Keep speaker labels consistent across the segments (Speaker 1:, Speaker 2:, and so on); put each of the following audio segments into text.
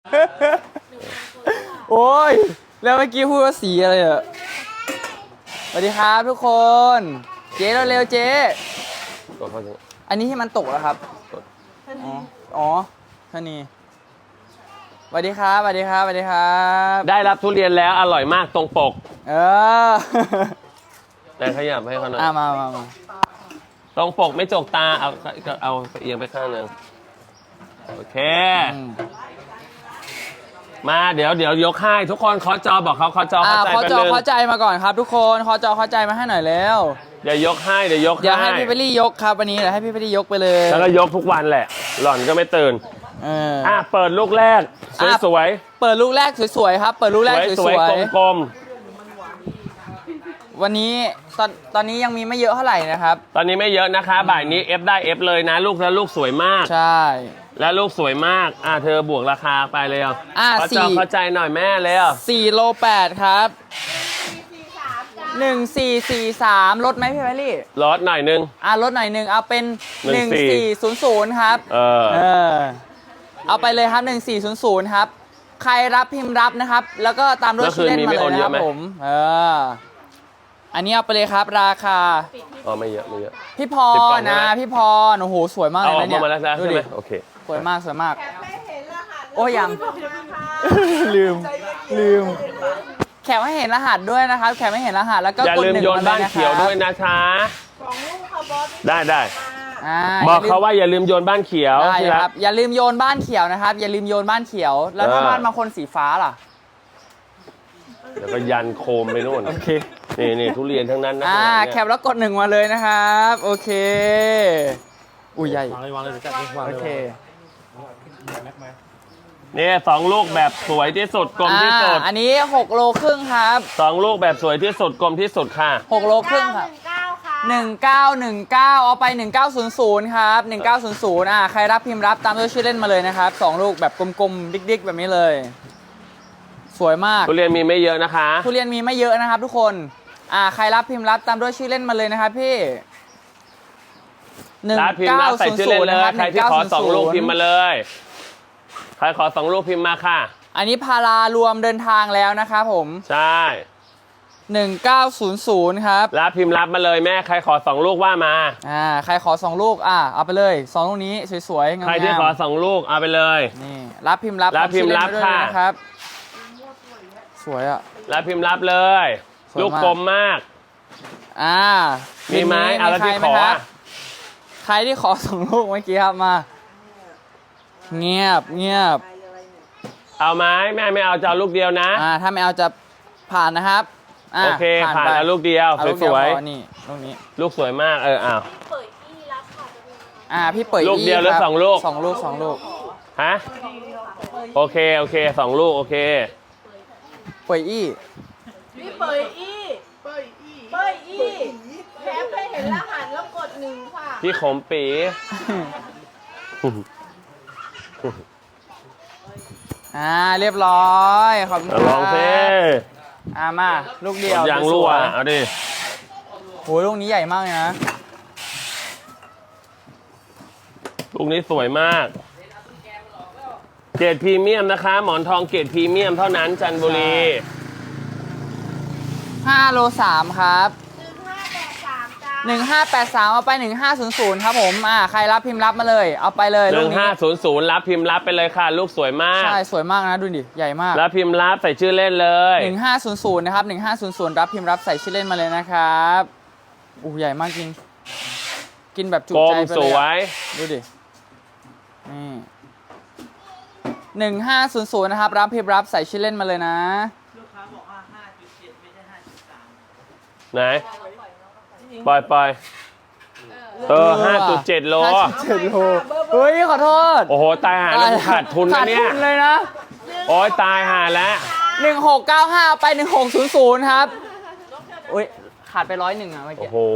Speaker 1: โอ้ยแล้วเมื่อกี้พูดว่าสีอะไรอะสวัสดีครับทุกคน เจ๊เร็วๆเจ๊อันนี้ที่มันตกแล้วครับอ๋อท่านี้สวัสดีครับสวัสดีครับสวัสดีครับ
Speaker 2: ได้รับทุเรียนแล้วอร่อยมากตรงปก แต่ขยับให้เขาหน่อย
Speaker 1: มา
Speaker 2: ตรงปกไม่จกตาเอาเอียงไปข้างหนึ่งโอเค มาเดี๋ยวยกให้ทุกคนเคาะจอบอกเขาเคาะจอเข้าใจ
Speaker 1: เข้าใจมาก่อนครับทุกคนเคาะจอเข้าใจมาให้หน่อยแล้ว
Speaker 2: เดี๋ยวยกให้เดี๋ยวยกให้
Speaker 1: อย่าให้พี่เบลลี่ยกครับวันนี้เดี๋ยวให้พี่เบลลี่ยกไปเลย
Speaker 2: แล้วก็ยกทุกวันแหละ หล่อนก็ไม่ตื่นเปิดลูกแรกสวย
Speaker 1: เปิดลูกแรกสวยๆครับเปิดลูกแรกสวย
Speaker 2: ๆกลม
Speaker 1: วันนี้ตอนนี้ยังมีไม่เยอะเท่าไหร่นะครับ
Speaker 2: ตอนนี้ไม่เยอะนะคะบ่ายนี้เอฟได้เอฟเลยนะลูกแล้วลูกสวยมาก
Speaker 1: ใช่
Speaker 2: แล้วลูกสวยมากเธอบวกราคาไปเลยเข้าใจหน่อยแม่เลย
Speaker 1: 4โล8ครับ1443ลดไหมพี่เบลลี่
Speaker 2: ลดหน่อยนึง
Speaker 1: ลดหน่อยนึงเอาเป็น1400ครับเอาไปเลยครับ1400ครับใครรับพิมพ์รับนะครับแล้วก็ตามด้วยชื่อเล่นมาเลยนะครับผมอันนี้เอาไปเลยครับราคา
Speaker 2: ไม่เยอะ
Speaker 1: พี่พรนะพี่พรโอ้โหสวยมากเลยนะเนี่ย
Speaker 2: ดูดิโอเค
Speaker 1: สวยมากโอ้ยังลืมแขกให้เห็นรหัสด้วยนะครับแขกให้เห็นรหัสแล้วก็
Speaker 2: อย่าลืมโยนบ้านเขียวด้วยนะคะได้บอกเขาว่าอย่าลืมโยนบ้านเขียว
Speaker 1: ได้ครับอย่าลืมโยนบ้านเขียวนะครับอย่าลืมโยนบ้านเขียวแล้วถ้าบ้านบางคนสีฟ้าล่ะ
Speaker 2: แล้วก็ยันโคมไปนู่น
Speaker 1: โอเค
Speaker 2: นี่ทุเรียนทั้งนั้นนะ
Speaker 1: แคปแล้วกด1มาเลยนะครับโอเคอุ้ยใหญ่
Speaker 3: วางเลยจัดวางเลย
Speaker 1: โอเค
Speaker 2: นี่2ลูกแบบสวยที่สุดกลมที่สุด
Speaker 1: อันนี้6โลครึ่งครับ
Speaker 2: 2ลูกแบบสวยที่สุดกลมที่สุดค่ะ
Speaker 1: 6โลครึ่งครับ1919เอาไป1900ครับ1900ใครรับพิมพ์รับตามด้วยชื่อเล่นมาเลยนะครับ2ลูกแบบกลมๆดิ๊กๆแบบนี้เลยสวยมาก
Speaker 2: ทุเรียนมีไม่เยอะนะคะ
Speaker 1: ทุเรียนมีไม่เยอะนะครับทุกคนใครรับพิมพ์รับตามด้วยชื่อเล่นมาเลยนะครับพี่
Speaker 2: รับพิมพ์รับใส่ชื่อเล่นเลยใครที่ขอ2ลูกพิมพ์มาเลยใครขอ2ลูกพิมพ์มาค่ะ
Speaker 1: อันนี้พารารวมเดินทางแล้วนะครับผม
Speaker 2: ใช่
Speaker 1: 1900ครับ
Speaker 2: รับพิมพ์รับมาเลยแม่ใครขอ2ลูกว่ามา
Speaker 1: ใครขอ2ลูกเอาไปเลย2ลูกนี้สวยๆงามๆ
Speaker 2: ใครที่ขอ2ลูกเอาไปเลย
Speaker 1: นี่รับพิมพ์รับ
Speaker 2: ค่ะ
Speaker 1: นะครับสวย
Speaker 2: รับพิมพ์รับเลยลูกกลมมาก
Speaker 1: มีไหม
Speaker 2: แล้วที่ขอ
Speaker 1: ใครที่ขอ2ลูกเมื่อกี้ครับมาเงียบ
Speaker 2: เอาไหมแม่ไม่เอาจะเอาลูกเดียวนะ
Speaker 1: ถ้าไม่เอาจะผ่านนะครับ
Speaker 2: โอเคผ่านแล้วลูกเดียวสวย
Speaker 1: นี่ลูกนี้
Speaker 2: ลูกสวยมาก
Speaker 1: พี่เปิด
Speaker 2: ลูกเดียวหรือ2ลูก
Speaker 1: 2ลูก
Speaker 2: ฮะโอเค2ลูกโอเค
Speaker 1: เปิดพี่
Speaker 4: เปิดแคปให้เห็นรหัสแล้วกด1ค่ะ
Speaker 2: พี่ขมปี
Speaker 1: เรียบร้อยขอบคุณครับ
Speaker 2: ลองซิ
Speaker 1: มาลูกเดียว
Speaker 2: ยังรั่วเอาดิ
Speaker 1: โหลูกนี้ใหญ่มากเลยนะ
Speaker 2: ลูกนี้สวยมากเกรดพรีเมียมนะคะหมอนทองเกรดพรีเมียมเท่านั้นจันทบุรี
Speaker 1: 5โล3ครับ1583เอาไป1500ครับผมใครรับพิมพ์รับมาเลยเอาไปเลยลูกนี้
Speaker 2: 1500รับพิมพ์รับไปเลยค่ะลูกสวยมาก
Speaker 1: ใช่สวยมากนะดูดิใหญ่มาก
Speaker 2: รับพิมพ์รับใส่ชื่อเล่นเลย
Speaker 1: 1500นะครับ1500รับพิมพ์รับใส่ชื่อเล่นมาเลยนะครับใหญ่มากจริงกินแบบจุใจไปเลย
Speaker 2: สวย
Speaker 1: ดูดินี่1500นะครับรับพิมพ์รับใส่ชื่อเล่นมาเลยนะ
Speaker 3: ลูกค้าบอกว่า 5.7 ไม่ใช่ 5.3
Speaker 2: ไหนปล่อย5.7 โล
Speaker 1: เฮ้ยขอโทษ
Speaker 2: โอ้โหตายหาแล้วขาดทุนนะเนี่ย
Speaker 1: ขาดทุนเลยนะ
Speaker 2: โอ้ยตายหาแล้ว
Speaker 1: 1695ไป1600ครับขาดไป101เมื่อกี้
Speaker 2: โอ้โห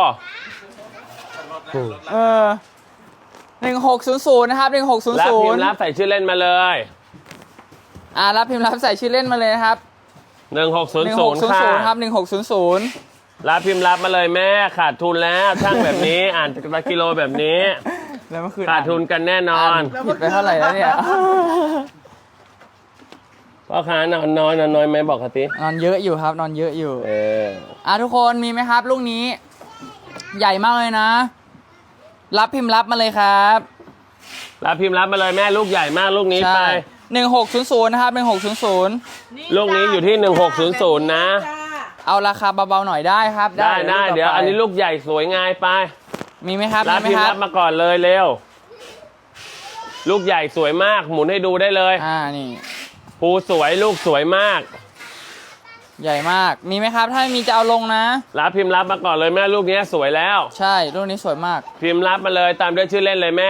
Speaker 1: 1600นะครับ1600
Speaker 2: รับพิมพ์รับใส่ชื่อเล่นมาเลย
Speaker 1: รับพิมพ์รับใส่ชื่อเล่นมาเลยนะครับ
Speaker 2: 1600
Speaker 1: ครับ1600
Speaker 2: รับพิมพ์รับมาเลยแม่ขาดทุนแล้วช่างแบบนี้อ่านกิโลแบบนี้ขาดทุนกันแน่นอน
Speaker 1: ผิดไปเท่าไหร่แล้วเนี่ย
Speaker 2: พ่อค้านอนน้อยไหมบอกเขาสิ
Speaker 1: นอนเยอะอยู่ครับ นอนเยอะอยู่
Speaker 2: อ
Speaker 1: ทุกคนมีไหมครับลูกนี้ ใหญ่มากเลยนะ รับพิมพ์รับมาเลยครับ
Speaker 2: รับพิมพ์รับมาเลยแม่ลูกใหญ่มากลูกนี้ไป
Speaker 1: 1600นะครับ1600
Speaker 2: ลูกนี้อยู่ที่1600นะ
Speaker 1: เอาราคาเบาๆหน่อยได้ครับ
Speaker 2: ได้
Speaker 1: ลูกต่
Speaker 2: เดี๋ยว
Speaker 1: ไป
Speaker 2: อันนี้ลูกใหญ่สวยงายไป
Speaker 1: มีไหมครับ
Speaker 2: รับ
Speaker 1: มีไหม
Speaker 2: พิมพ์
Speaker 1: ครั
Speaker 2: รั
Speaker 1: บบ
Speaker 2: มาก่อนเลยเร็ว ลูกใหญ่สวยมากหมุนให้ดูได้เลย
Speaker 1: นี่
Speaker 2: ภูสวยลูกสวยมาก
Speaker 1: ใหญ่มากมีไหมครับถ้าไม่มีจะเอาลงนะ
Speaker 2: รับพิมพ์รับมาก่อนเลยแม่ลูกนี้สวยแล้ว
Speaker 1: ใช่ลูกนี้สวยมาก
Speaker 2: พิมพ์รับมาเลยตามด้วยชื่อเล่นเลยแม่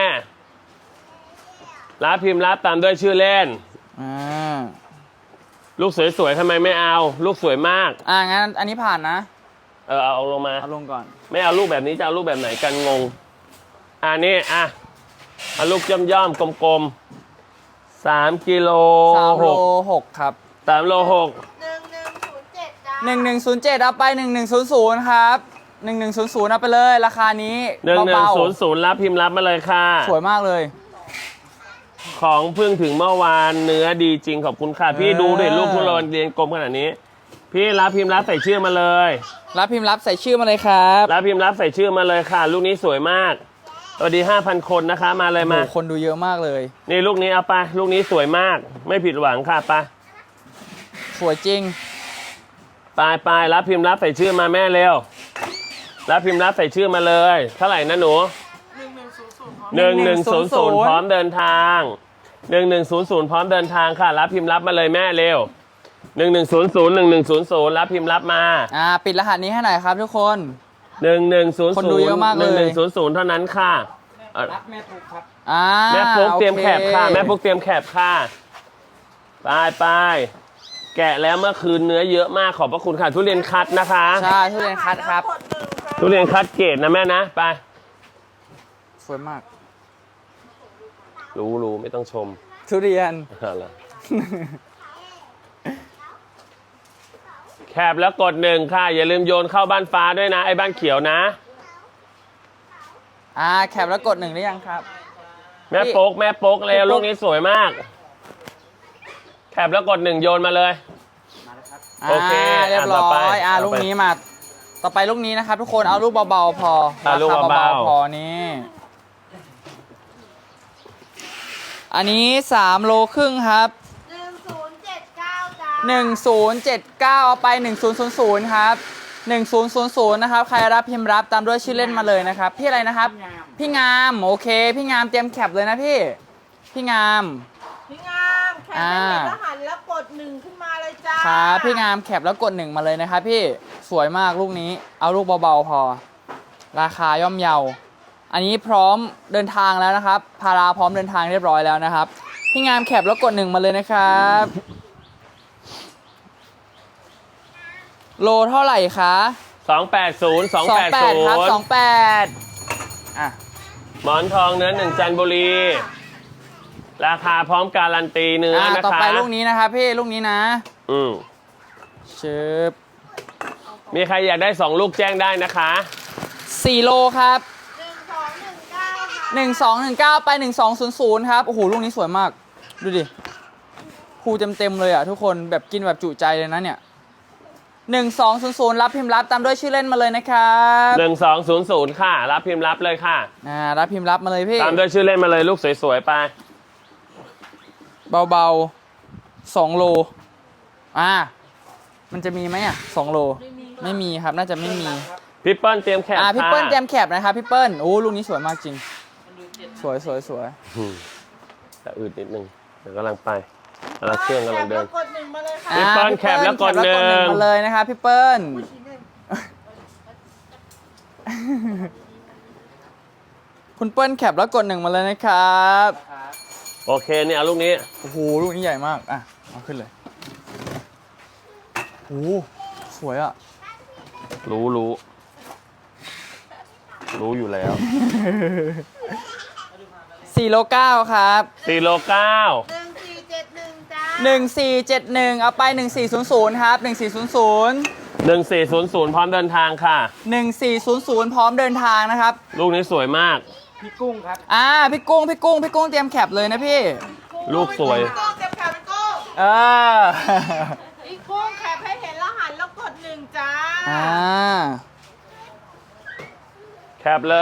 Speaker 2: รับพิมพ์รับตามด้วยชื่อเล่น
Speaker 1: อ่า
Speaker 2: ลูกสวยๆทำไมไม่เอา ลูกสวยมาก
Speaker 1: งั้นอันนี้ผ่านนะ
Speaker 2: เอาลงมา
Speaker 1: เอาลงก่อน
Speaker 2: ไม่เอาลูกแบบนี้จะเอาลูกแบบไหนกันงงนี่เอาลูกย่อมๆกลมๆ3 กิโล
Speaker 1: 3โล6ครับ
Speaker 2: 3 โล 6
Speaker 4: 1107จ้า
Speaker 1: 1107เอาไป1100ครับ1100เอาไปเลยราคานี้เบา
Speaker 2: 1100รับพิมพ์รับมาเลยค่ะ
Speaker 1: ๆสวยมากเลย
Speaker 2: ของเพิ่งถึงเมื่อวานเนื้อดีจริงขอบคุณค่ะ พี่ดูดิลูกทุเรียนกลมขนาดนี้ พี่รับพิมพ์รับใส่ชื่อมาเลย
Speaker 1: รับพิมพ์รับใส่ชื่อมาเลยครับ
Speaker 2: รับพิมพ์รับใส่ชื่อมาเลยค่ะ ลูกนี้สวยมากสวัสดี 5,000 คนนะคะมาเลยมา
Speaker 1: โอ้โหคนดูเยอะมากเลย
Speaker 2: นี่ลูกนี้เอาไปลูกนี้สวยมาก ไม่ผิดหวังค่ะไป
Speaker 1: สวยจริง
Speaker 2: ไปรับพิมพ์รับใส่ชื่อมาแม่เร็วรับพิมพ์รับใส่ชื่อมาเลยเท่าไหร่นะหนู1100พร้อมเดินทาง1100พร้อมเดินทางค่ะ รับพิมพ์รับมาเลยแม่เร็ว1100รับพิมพ์รับมา
Speaker 1: ปิดรหัสนี้ให้หน่อยครับทุกคน
Speaker 2: 1100
Speaker 1: คนดูเยอะมากเลย
Speaker 2: 1100เท่านั้นค่ะ
Speaker 3: รับแม่ปุ๊กครับ
Speaker 2: แม่ปุ๊กเตรียมแคบค่ะ
Speaker 1: โอเ
Speaker 2: แม่ปุ๊กเตรียมแคบค่ะไปแกะแล้วเมื่อคืนเนื้อเยอะมากขอบพระคุณค่ะทุเรียนคัดนะคะ
Speaker 1: ใช่ทุเรียนคัดครับ
Speaker 2: ทุเรียนคัดเกรดนะแม่นะไป
Speaker 1: สวยมาก
Speaker 2: รู้ไม่ต้องชม
Speaker 1: ทุเรียน
Speaker 2: อะไรแคบแล้วกด1ค่ะอย่าลืมโยนเข้าบ้านฟ้าด้วยนะไอ้บ้านเขียวนะ
Speaker 1: แคปแล้วกด1ได้ยังครับ
Speaker 2: แม่โป๊กเร็วลูกนี้สวยมากแคบแล้วกด1โยนมาเลย โอเค
Speaker 1: เรียบร้
Speaker 2: ต่อไป
Speaker 1: อยลูกนี้มา ต่อไปลูกนี้นะครับทุกคนเอาลูกเบาๆพอ
Speaker 2: ลูก
Speaker 1: ราค
Speaker 2: เบา
Speaker 1: พอนี่อันนี้3โลครึ่งครับ
Speaker 4: 1079จ้า
Speaker 1: 1079เอาไป1000ครับ1000นะครับใครรับพิมพ์รับตามด้วยชื่อเล่นมาเลยนะครับพี่อะไรนะครับ พี่งามโอเคพี่งามเตรียมแคปเลยนะพี่งาม
Speaker 4: พี่งามแค่ไม่เห็นรหัสแล้วกด1ขึ้นมาเลยจ้า
Speaker 1: ครับพี่งามแคปแล้วกด1มาเลยนะครับพี่สวยมากลูกนี้เอาลูกเบาๆพอ ราคาย่อมเยาอันนี้พร้อมเดินทางแล้วนะครับพาราพร้อมเดินทางเรียบร้อยแล้วนะครับพี่งามแคปแล้วกด1มาเลยนะครับโลเท่าไหร่คะ
Speaker 2: 280
Speaker 1: 28ครับ
Speaker 2: 280
Speaker 1: 28อ่ะ
Speaker 2: หมอนทองเนื้อ1จันทบุรี ราคาพร้อมการันตีเนื้อนะคะ
Speaker 1: ต่อไปลูกนี้นะครับพี่ลูกนี้นะ ชึบ
Speaker 2: มีใครอยากได้2ลูกแจ้งได้นะคะ
Speaker 1: 4โลครับ
Speaker 4: 1219ค่ะ
Speaker 1: 1219ไป1200ครับโอ้โหลูกนี้สวยมากดูดิภูเต็มเลยอ่ะทุกคนแบบกินแบบจุใจเลยนะเนี่ย1200รับพิมพ์รับตามด้วยชื่อเล่นมาเลยนะครับ
Speaker 2: 1200ค่ะ รับพิมพ์รับเลยค่ะ
Speaker 1: รับพิมพ์รับมาเลยพี่
Speaker 2: ตามด้วยชื่อเล่นมาเลยลูกสวยๆไป
Speaker 1: เบาๆ2โลมันจะมีไหม2โลไม่มีครับน่าจะไม่มี
Speaker 2: พี่เปิ้ลเตรียมแคป
Speaker 1: พี่เปิ้ลเตรียมแคปนะครับพี่เปิ้ลโอ้ลูกนี้สวยมากจริงสวย
Speaker 2: แต่อืดนิดนึงเดี๋ยวกำลังไปกำลังเครื่องกำลังเดิน
Speaker 4: แคปแล้วกด1มาเลยค่ะ
Speaker 2: พี่เปิ้ลแคปแล้วกดหนึ่ง
Speaker 1: มาเลยนะครับพี่เปิ้ลคุณเปิ้ลแคปแล้วกด1มาเลยนะครับ
Speaker 2: โอเคเนี่ยเอาลูกนี้
Speaker 1: โอ้โหลูกนี้ใหญ่มากเอาขึ้นเลยโอ้สวยอ่ะ
Speaker 2: รู้อยู่แล้ว
Speaker 1: 4โล9ครับ
Speaker 2: 4โล9
Speaker 4: 1471จ้า
Speaker 1: 1471เอาไป1400ครับ1400
Speaker 2: 1400พร้อมเดินทางค่ะ
Speaker 1: 1400พร้อมเดินทางนะครับ
Speaker 2: ลูกนี้สวยมาก
Speaker 3: พี่กุ้งครับ
Speaker 1: พี่กุ้งเตรียมแคปเลยนะพี่
Speaker 2: ลูกสวย
Speaker 4: พี่กุ้งเก็บแคปพี่กุ้ง
Speaker 1: เออ
Speaker 4: อีกกุ้งแคปให้เห็นแล้วหันแล้วกดหนึ่งจ้า
Speaker 1: อ่า
Speaker 2: แคปเลย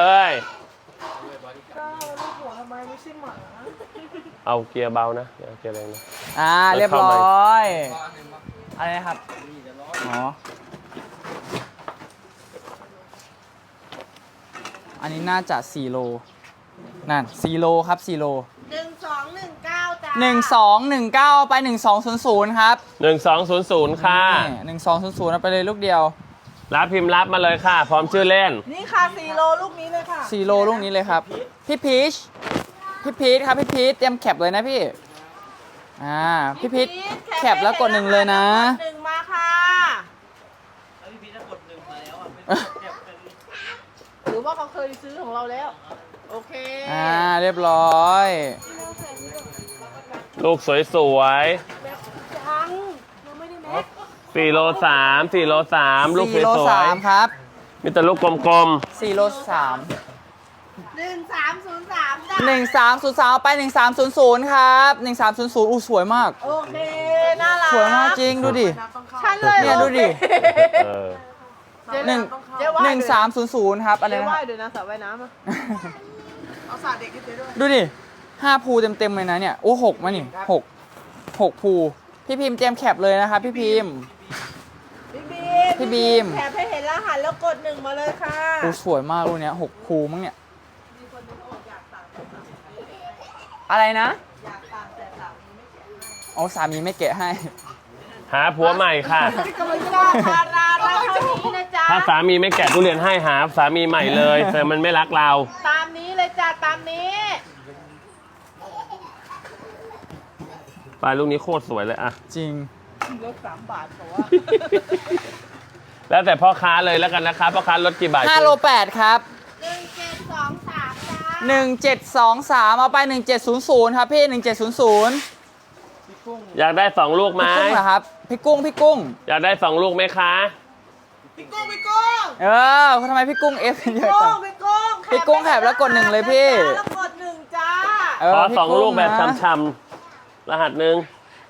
Speaker 2: เอาเกียร์เบานะอย่าเอาเกียร์แรงนะ
Speaker 1: เรียบร้อยอะไรนะครับอ๋ออันนี้น่าจะ4โลนั่น4โลครับ4โล
Speaker 4: 1219จ้า
Speaker 1: 1219เอาไป1200ครับ
Speaker 2: 1200ค่ะ
Speaker 1: นี่1200เอาไปเลยลูกเดียว
Speaker 2: รับพิมพ์รับมาเลยค่ะ พร้อมชื่อเล่น
Speaker 4: นี่ค่ะ4โลลูกนี้เลยค่ะ
Speaker 1: 4โลลูกนี้เลยครับพี่พีชครับพี่พีชเตรียมแคปเลยนะพี่พี่พีชแคปแล้วกดหนึ่งเลยนะ
Speaker 4: กดหนึ่งมาค่ะ
Speaker 3: แล้วพี่พีชจะกดหนึ่งมาแล้วอ่ะไม่เก็บกัน
Speaker 4: หรือว่าเขาเคยซื้อของเราแล้ว โอเค
Speaker 1: เรียบร้อย
Speaker 2: ลูกสวย
Speaker 4: จังยังไม่ได้แม็ก
Speaker 2: ๆ4โล3 4โล3ลูกส
Speaker 1: 4โล
Speaker 2: วย
Speaker 1: 3ครับ
Speaker 2: ๆมีแต่ลูกกลม
Speaker 1: 4โล3
Speaker 4: 1303จ้า
Speaker 1: 1303เอาไป1300ครับ1300อู้สวยมาก
Speaker 4: โอเค น่ารัก
Speaker 1: สวยมากจริงดูดิ
Speaker 4: ฉันเลย
Speaker 1: เนี่ยดูดิ
Speaker 2: ๆเออ
Speaker 1: หนึ่ง
Speaker 4: เจ๊ว่าย
Speaker 1: 1300ครับอะไร
Speaker 4: เจ๊
Speaker 1: นะ
Speaker 4: ว่ายเดี๋ยวนะสระว่ายน้ำอะเอาสระเด็กให้เจ๊ด้วย
Speaker 1: ดูดิ5ภูเต็มเลยนะเนี่ยโอ้6มานี่6ภูพี่พิมพ์เตรียมแคปเลยนะครับพี่พิมพ์ พี่บีม
Speaker 4: แถบให้เห็นรหัสแล้วกดหนึ่งมาเลยค่ะ
Speaker 1: โอ้สวยมากลูกเนี้ย6ภูมั้งเนี่ยอะไรนะอ๋อสามีไม่แกะให้
Speaker 2: หาผัวใหม่ค่ะ
Speaker 4: กำลังจะพาราเราเท่านี้นะจ๊ะ
Speaker 2: ถ้าสามีไม่แกะทุเรียนให้หาสามีใหม่เลยแต่มันไม่รักเรา
Speaker 4: ตามนี้เลยจ้ะตามนี้
Speaker 2: ปลายลูกนี้โคตรสวยเลยอะ
Speaker 1: จริง
Speaker 4: ลด3 บาทเพราะว่า
Speaker 2: แล้วแต่พ่อค้าเลยแล้วกันนะคะพ่อค้าลดกี่บาท
Speaker 1: 5โล8ครับ
Speaker 4: 1723จ้า
Speaker 1: 1723เอาไป1700ครับพี่1700
Speaker 2: อยากได้2ลูกไหม
Speaker 1: พี่กุ้งเหรอครับพี่กุ้ง
Speaker 2: อยากได้2ลูกไหมคะ
Speaker 4: พี่กุ้งพี่กุ้ง
Speaker 1: ทำไมพี่กุ้งเอฟเยอะจัง
Speaker 4: พี่กุ้ง
Speaker 1: พี่กุ้งแถบแล้วกดหนึ่งเลยพี่
Speaker 4: แล้วกดหนึ่งจ้า
Speaker 2: ขอ
Speaker 1: พี่
Speaker 2: 2ลูกแบบ
Speaker 1: นะ
Speaker 2: ช้ำๆรหัสหนึ่ง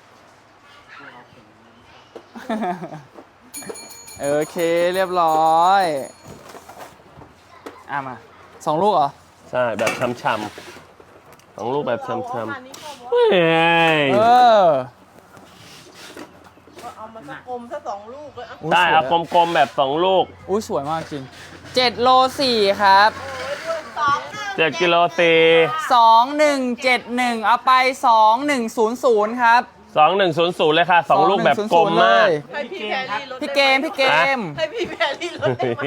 Speaker 1: โอเคเรียบร้อยมา2ลูกเหรอ
Speaker 2: ใช่แบบช้ำๆ2ลูกแบบช้ำ
Speaker 4: เอามานี่ก็บอก
Speaker 2: ๆเฮ้ย
Speaker 4: ว่าเอามาสักอมสัก2 ลูกเลยอ่ะ
Speaker 1: อุ๊ย
Speaker 2: ได้
Speaker 1: สวย
Speaker 2: เอากลมๆแบบ2ลูก
Speaker 1: อุ้ยสวยมากจริง7โล4ครับ
Speaker 4: โอ้ยด้วย
Speaker 2: 7กิโลตี
Speaker 1: 2171เอาไป2100ครับ
Speaker 2: 2100เลยค่ะ2ลูกแบบกลมมาก
Speaker 4: ให้พี่แพรรี่ลด
Speaker 1: พี่เกม
Speaker 4: ให้พี่แพรรี่ลดได้ไหม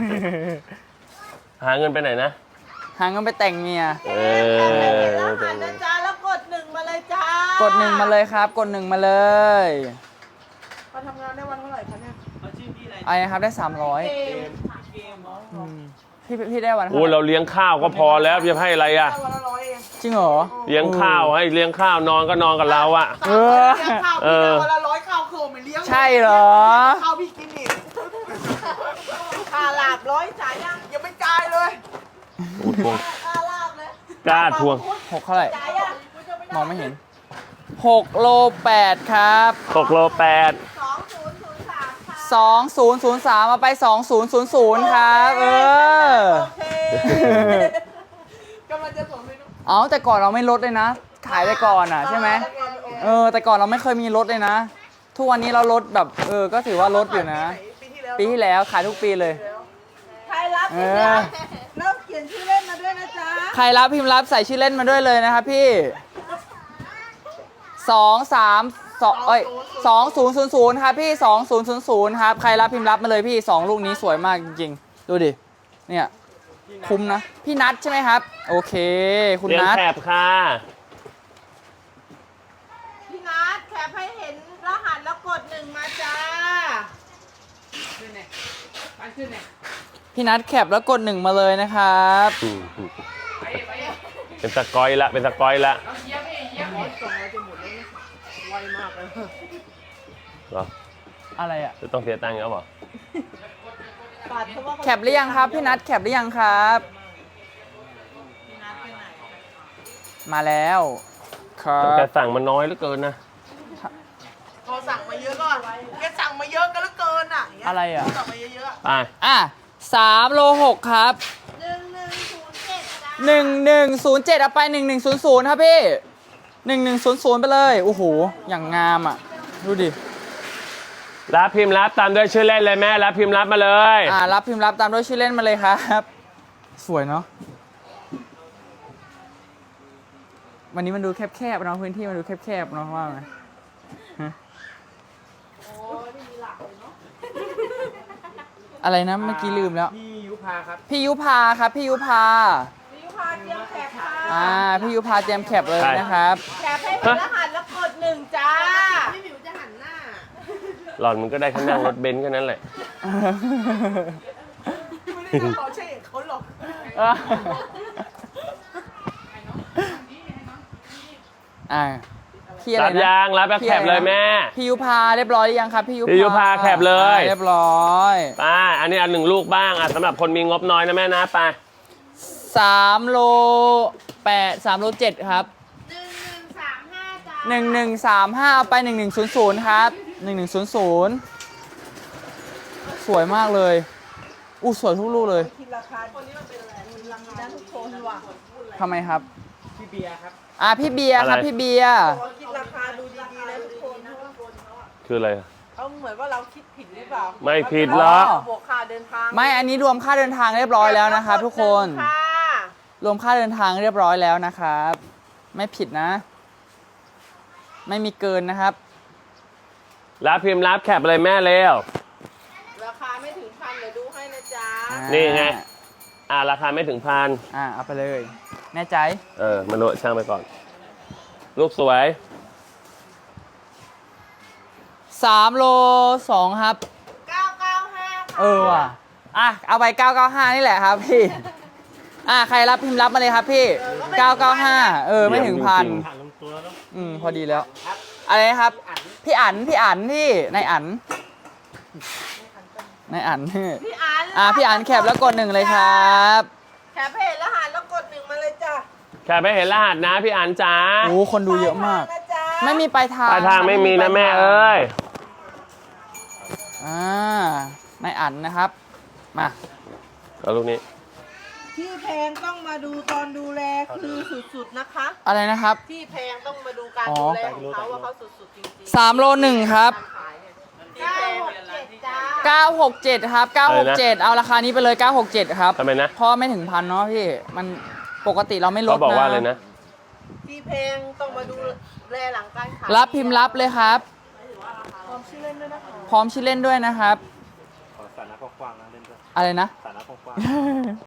Speaker 2: หาเงินไปไหนนะ
Speaker 1: หาเงินไปแต่งเมีย
Speaker 2: เอ
Speaker 4: ร
Speaker 2: อ
Speaker 4: หัสนะจ๊ะแล้วกดหนึ่งมาเลยจ้าก ก
Speaker 1: ด1มาเลยครับ กด1มาเลย
Speaker 4: มาทำงานได้วันเท่าไหร่คะเนี่ย
Speaker 3: เขาชื่อพี่อะไร
Speaker 1: ไอ้นะครับได้
Speaker 4: เก
Speaker 1: 300
Speaker 4: ม
Speaker 3: เกมเหรอ
Speaker 1: อืมพี่ได้วัน
Speaker 2: โอ้
Speaker 1: เท่าไห
Speaker 2: เรา
Speaker 1: ร่
Speaker 2: เลี้ยงข้าวก็พอแล้วจะให้อะไรอ่ะ
Speaker 4: วันละ100เอง
Speaker 1: จริงเหรอ
Speaker 2: เลี้ยงข้าวให้เลี้ยงข้าวนอนก็นอนกับเราอ่ะ
Speaker 1: เออ
Speaker 4: เลี้ยงข้าว
Speaker 2: เอ
Speaker 4: พี่
Speaker 2: อ
Speaker 4: วันละ100ข้าวโคไม่เลี้ยง
Speaker 1: ใช่เหรอ
Speaker 4: ข้าวพี่กินอีกค่าลาบ100จ่ายยังยังไม่จ่ายเลย
Speaker 2: โอ้ทวง
Speaker 4: ค่าลาบเลย
Speaker 2: กล้าทวง
Speaker 1: 6เท่าไหร่
Speaker 4: จ่ายยัง
Speaker 1: มองไม่เห็น6โล8ครับ
Speaker 2: 6โล8
Speaker 4: 2003ค่ะ
Speaker 1: 2003เอาไป2000ครับ
Speaker 4: โอเคกำลังจะส่งไปนุ๊ก
Speaker 1: เอาแต่ก่อนเราไม่ลดเลยนะ ขายไปก่อนอ่ะใช่ไหมแต่ก่อนเราไม่เคยมีลดเลยนะ ทุกวันนี้เราลดแบบก็ถือว่าลดอยู่นะ ปีที่แล้วขายทุกปีเลย
Speaker 4: ใครรับพี่จ๊ะเริ่มเขียนชื่อเล่นมาด้วยนะจ๊ะ
Speaker 1: ใครรับพิมพ์รับใส่ชื่อเล่นมาด้วยเลยนะครับพี่2000ครับพี่2000ครับใครรับพิมพ์รับมาเลยพี่2ลูกนี้สวยมากจริงๆดูดิเนี่ยคุ้มนะพี่นัทใช่ไหมครับโอเคคุณ
Speaker 2: เลี้ยง
Speaker 1: นัท
Speaker 2: แถบค่ะ
Speaker 4: พี่นัทแคปให้เห็นรหัสแล้วกด1มาจ้า
Speaker 1: พี่นัทแคปแล้วกด1มาเลยนะครับ
Speaker 2: เป็นสกอยละเป็นสกอยละเหรอ
Speaker 1: อะไรอ่ะ
Speaker 2: จะต้องเสียตังค์แล้วเหรอ
Speaker 1: แคปหรือยังครับพี่นัทแคปหรือยังครับมาแล้วครั
Speaker 2: แต่
Speaker 1: บ
Speaker 2: สั่งมันน้อยเหลือเกินนะ
Speaker 4: เยอะก่อนแกสั่งมาเยอะกันเหลือเกินอ่ะย่างเงี้ย
Speaker 1: อะไรอ่ะ
Speaker 4: สั่งมาเยอะ
Speaker 2: ไป
Speaker 1: อ่ะ3โล6ครับ
Speaker 5: 1107
Speaker 1: 1107เอาไป1100ครับพี่1100ไปเลยโอ้โหอย่างงามอ่ะดูดิ
Speaker 2: รับพิมพ์รับตามด้วยชื่อเล่นเลยแม่รับพิมพ์รับมาเลย
Speaker 1: รับพิมพ์รับตามด้วยชื่อเล่นมาเลยครับ สวยเนาะวันนี้มันดูแคบๆเนาะพื้นที่มันดูแคบๆเนาะว่าไหมฮะอะไรนะเมื่อกี้ลืมแล้ว
Speaker 3: พี่ยุพาครับ
Speaker 1: พี่ยุพาครับพี่ยุพา
Speaker 4: ๆพี่ยุพาเตรียมแคปค่ะ
Speaker 1: พี่ยุพาเตรียมแคปเลยนะครับ
Speaker 4: แคปให้เป็นรหัสแล้วกด1จ้า
Speaker 5: พี่หมิวจะหันหน้า
Speaker 2: หล่อนมันก็ได้แค่นั่งรถเบนซ์แค่นั้นแหละ
Speaker 4: ไม่ได้เขาใช่เขาหรอก
Speaker 1: พี่อะไร
Speaker 2: รับ
Speaker 1: นะ
Speaker 2: ยางรับแบบแคปเลยแม่
Speaker 1: พี่ยุพาเรียบร้อยหรือยังครับพี่ยุ
Speaker 2: พี่ยุพาแคปเลย
Speaker 1: เรียบร้อย
Speaker 2: ไปอันนี้อันหนึ่งลูกบ้างสำหรับคนมีงบน้อยนะแม่นะไป
Speaker 1: 3โล8 3โล7ครับ
Speaker 5: 1135 จ้า
Speaker 1: 1135เอาไป1100ครับ1100สวยมากเลยอู้สวยทุกลูกเลย
Speaker 4: คิดราคาคนนี้มันเป็นอะไรราคาทุกคนว่ะ
Speaker 1: ทำไมครับ
Speaker 3: พี่เบียร์ครับ
Speaker 1: พี่เบียร์ครับ
Speaker 2: อะไร
Speaker 1: พี่เบียร์
Speaker 4: ขอคิดราคาดูดีๆนะทุกคนเพราะว่า
Speaker 2: คืออะไร
Speaker 4: เขาเหมือนว่าเราคิดผิดหรือเปล่า
Speaker 2: ไม่ผิดหรอก
Speaker 4: บวกค่าเดินทาง
Speaker 1: ไม่อันนี้รวมค่าเดินทางเรียบร้อยแล้วนะครับทุกคน
Speaker 4: ค่ะ
Speaker 1: รวมค่าเดินทางเรียบร้อยแล้วนะครับ ไม่ผิดนะ ไม่มีเกินนะครับ
Speaker 2: รับพิมพ์รับแคปเลยแม่เร็ว
Speaker 4: ราคาไม่ถึงพันเดี๋ยวดูให้นะจ๊ะ
Speaker 2: นี่ไง ราคาไม่ถึงพัน
Speaker 1: เอาไปเลย แน่ใจ
Speaker 2: มนุษย์ช่างไปก่อน ลูกสวย
Speaker 1: 3โล2ครับ
Speaker 4: 995 ค่ะ
Speaker 1: ว่ะเอาไป995นี่แหละครับพี่ ใครรับพิมพ์รับมาเลยครับพี่ 995ไม่ถึงพัน
Speaker 3: ผ่านลงตัวแล้ว
Speaker 1: พอดีแล้ว อะไรนะครับ พี่อั๋นที่นายอั๋นพี่
Speaker 4: พี่อัน
Speaker 1: พี่อั๋นแคปแล้วกด1เลยครับ
Speaker 4: แคปเพจรหัสแล้วกด1มาเลยจ้ะ
Speaker 2: แคปไม่เห็นรหัสนะพี่อันจ๋า
Speaker 1: โอ้คนดูเยอะมาก
Speaker 4: นะจ๊ะ
Speaker 1: ไม่มีปลายทาง
Speaker 2: ปลายทางไม่มีนะแม่เอ้ย
Speaker 1: นายอั๋นนะครับ มา
Speaker 2: เอาลูกนี้
Speaker 4: ที่แพงต้องมาดูตอนดูแลคือสุดๆนะคะ
Speaker 1: อะไรนะครับ
Speaker 4: ที่แพงต้องมาดูการดูแลของเขาว่าเขาสุดๆจริง
Speaker 1: 3โล1ครับ
Speaker 4: ๆขายเนี่ยที่แพงเนี่ย
Speaker 5: 967 จ้า
Speaker 1: 967ครับ967เอาราคานี้ไปเลย967ครับ
Speaker 2: ทำไมนะ
Speaker 1: เพราะไม่ถึงพันเนาะพี่ มันปกติเราไม่ลด
Speaker 2: เขาบอกว่าเลยนะ
Speaker 4: ที่แพงต้องมาดูแลหลังการขาย
Speaker 1: รับพิมพ์รับเลยครับ
Speaker 4: พร้อมชื่อเล่นด้วยนะคะ
Speaker 1: พร้อมชื่อเล่นด้วยนะครับ
Speaker 3: ขอสาระกว้างๆนะเล่นด้วย
Speaker 1: อะไรนะ
Speaker 3: สาระกว้าง